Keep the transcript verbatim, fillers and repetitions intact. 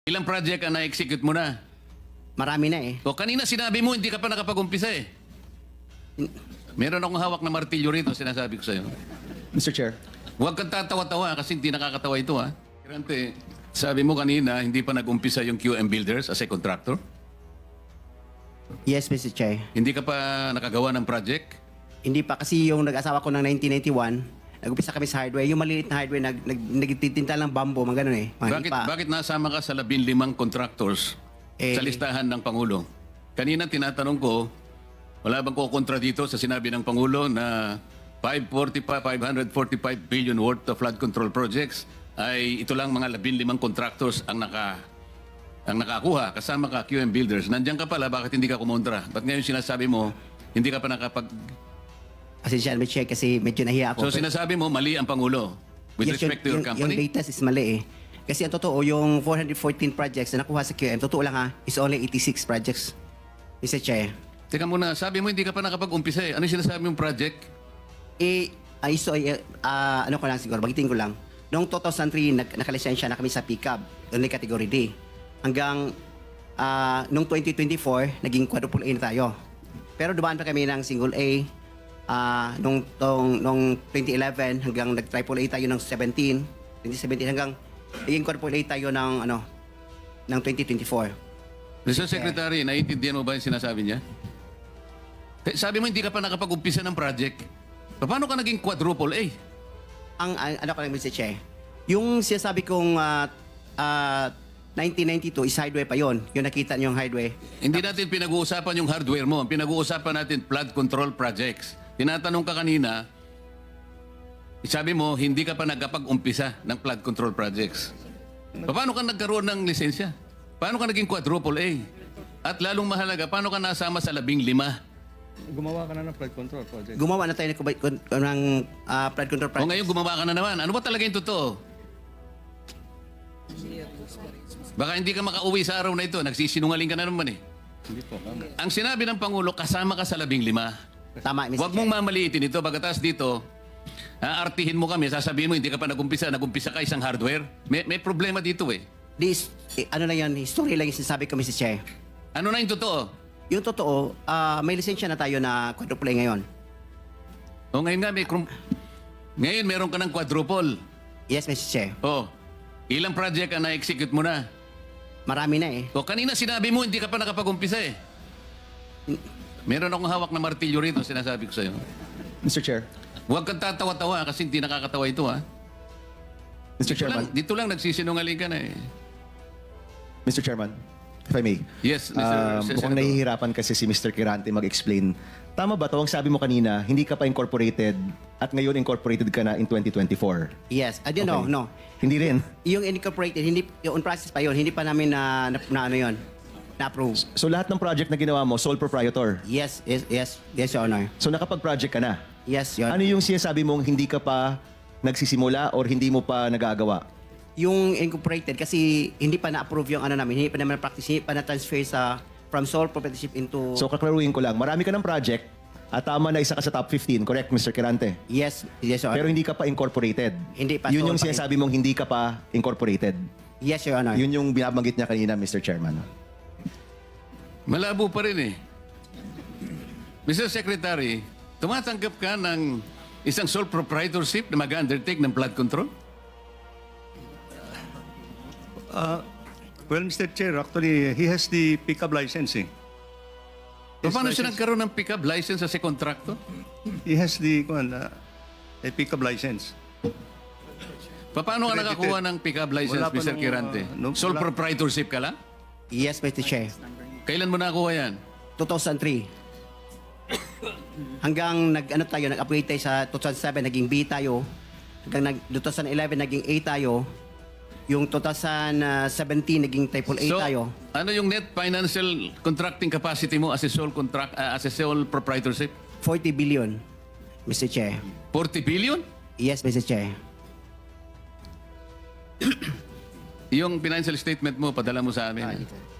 Ilang project ang na-execute mo na? Marami na eh. O kanina sinabi mo hindi ka pa nakapag-umpisa eh. Meron akong hawak na martilyo rito, sinasabi ko sa'yo. Mister Chair. Huwag kang tatawa-tawa kasi hindi nakakatawa ito ha. Kirante, sabi mo kanina hindi pa nag-umpisa yung Q M Builders as a contractor? Yes, Mister Chair. Hindi ka pa nakagawa ng project? Hindi pa kasi yung nag-asawa ko ng nineteen ninety-one, nag-upisa kami sa hardware. Yung maliit na hardware, nag, nag, nagtitinta lang bambo, mga ganun eh. Mga Bakit, lipa. bakit nasama ka sa labing limang contractors Eh, sa listahan ng Pangulo? Kanina tinatanong ko, wala bang kukontra dito sa sinabi ng Pangulo na five hundred forty-five billion worth of flood control projects ay ito lang mga labing limang contractors ang naka ang nakakuha kasama ka Q M Builders. Nandiyan ka pala, bakit hindi ka kumontra? Ba't ngayon sinasabi mo hindi ka pa nakapag... Pasensya, Mister Chair, kasi medyo nahiya ako. So sinasabi mo mali ang Pangulo with Yes, respect to your yung, company? Yung data is mali eh. Kasi ang totoo, yung four hundred fourteen projects na nakuha sa Q M, totoo lang ha, is only eighty-six projects. Mister Chair. Teka muna, sabi mo hindi ka pa nakapag-umpisa eh. Ano yung sinasabi mong project? Eh, ay, so, eh, ah, ano ko lang siguro, bagitin ko lang. Noong two thousand three, nag, nakalisensya na kami sa pickup, only category D. Hanggang, ah, noong twenty twenty-four, naging quadruple A na tayo. Pero dumaan pa kami ng single A, ah, nung, tong, nung twenty eleven, hanggang nag-triple A tayo ng seventeen, twenty seventeen, hanggang naging quadruple A tayo ng, ano, ng twenty twenty-four. Mister Secretary, naiintindihan mo ba yung sinasabi niya? Eh, Sabi mo hindi ka pa nakapag-umpisa ng project. Paano ka naging quadruple A? Ang, ang ano ko lang, Mister Che, yung sinasabi kong ah, ah, nineteen ninety-two is hardware pa yon. Yung nakita niyo yung hardware. Hindi natin pinag-uusapan yung hardware mo. Ang pinag-uusapan natin flood control projects. Tinatanong ka kanina, sabi mo hindi ka pa nagkapag-umpisa ng flood control projects. Paano ka nagkaroon ng lisensya? Paano ka naging quadruple A? At lalong mahalaga, paano ka nasama sa labing lima? Gumawa ka na ng flood control project. Gumawa na tayo ng, kubay- kun- ng ah, flood control O project. ngayon gumawa ka na naman. Ano ba talaga yung totoo? Baka hindi ka makauwi sa araw na ito. Nagsisinungaling ka na naman eh. Hindi po. Ang sinabi ng Pangulo, kasama ka sa labing lima. Tama, Mister Huwag Che. mong mamaliitin ito. Pagkatas dito, aartihin mo kami, sasabihin mo, hindi ka pa nagumpisa, nagumpisa ka isang hardware. May, may problema dito eh. This, eh, ano lang yan, history lang yung sinasabi ko, Mister Che. Ano na yung totoo? Yung totoo, ah, may lisensya na tayo na quadruple A ngayon. O ngayon nga, may, krum- ngayon meron ka ng quadruple. Yes, Mister Che. O, ilang project ang na-execute mo na? Marami na eh. O kanina sinabi mo, hindi ka pa nakapag-umpisa eh. Meron akong hawak na martilyo rito, sinasabi ko sa'yo. Mister Chair. Huwag kang tatawa-tawa kasi hindi nakakatawa ito ha. Mister Dito lang, Chairman. dito lang nagsisinungaling ka na eh. Mister Chairman. If I may. Yes, Mister Um, Sen- mukhang Senator. nahihirapan kasi si Mister Kirante mag-explain. Tama ba to? Ang sabi mo kanina, hindi ka pa incorporated at ngayon incorporated ka na in twenty twenty-four. Yes. I don't know, Okay. no. Hindi rin. Yung incorporated, hindi, yung on process pa yun, hindi pa namin na, na, na ano yun, na-approve. So lahat ng project na ginawa mo, sole proprietor. Yes, yes, yes, yes, Your Honor. So nakapag-project ka na. Yes, Your Honor. Ano yung sinasabi mong hindi ka pa nagsisimula or hindi mo pa nagagawa? Yung incorporated, kasi hindi pa na-approve yung ano namin, hindi pa naman practice, hindi pa na-transfer sa, from sole proprietorship into... So kaklaruhin ko lang, marami ka ng project at tama na isa ka sa top fifteen, correct, Mister Kirante? yes, yes, Your Pero Honor. hindi ka pa incorporated. Hindi pa, Yun sole yung pa rin. sinasabi mong hindi ka pa incorporated. Yes, Your Honor. Yun yung binabanggit niya kanina, Mister Chairman. Malabo pa rin eh. Mister Secretary, tumatanggap ka ng isang sole proprietorship na mag-undertake ng flood control? Well, Mister Chair, actually, he has the pickup licensing. His Paano siya license- nagkaroon ng pick-up license as a contractor? He has the kuwan, uh, a pickup license. Paano ka Credited. nakakuha ng pick-up license, Wala pa Mister nung, Kirante? uh, nung- Sole wala- proprietorship ka lang? Yes, Mister Chair. Kailan mo nakuha yan? two thousand three. Hanggang nag ano tayo, nag-upgrade tayo sa two thousand seven, naging B tayo. Hanggang nag two thousand eleven naging A tayo. Yung two thousand seventeen naging triple A so, tayo. ano yung net financial contracting capacity mo as a sole contract uh, as a sole proprietorship? forty billion, Mister Chair. forty billion? Yes, Mister Chair. Yung financial statement mo, padala mo sa amin. Ah, ito.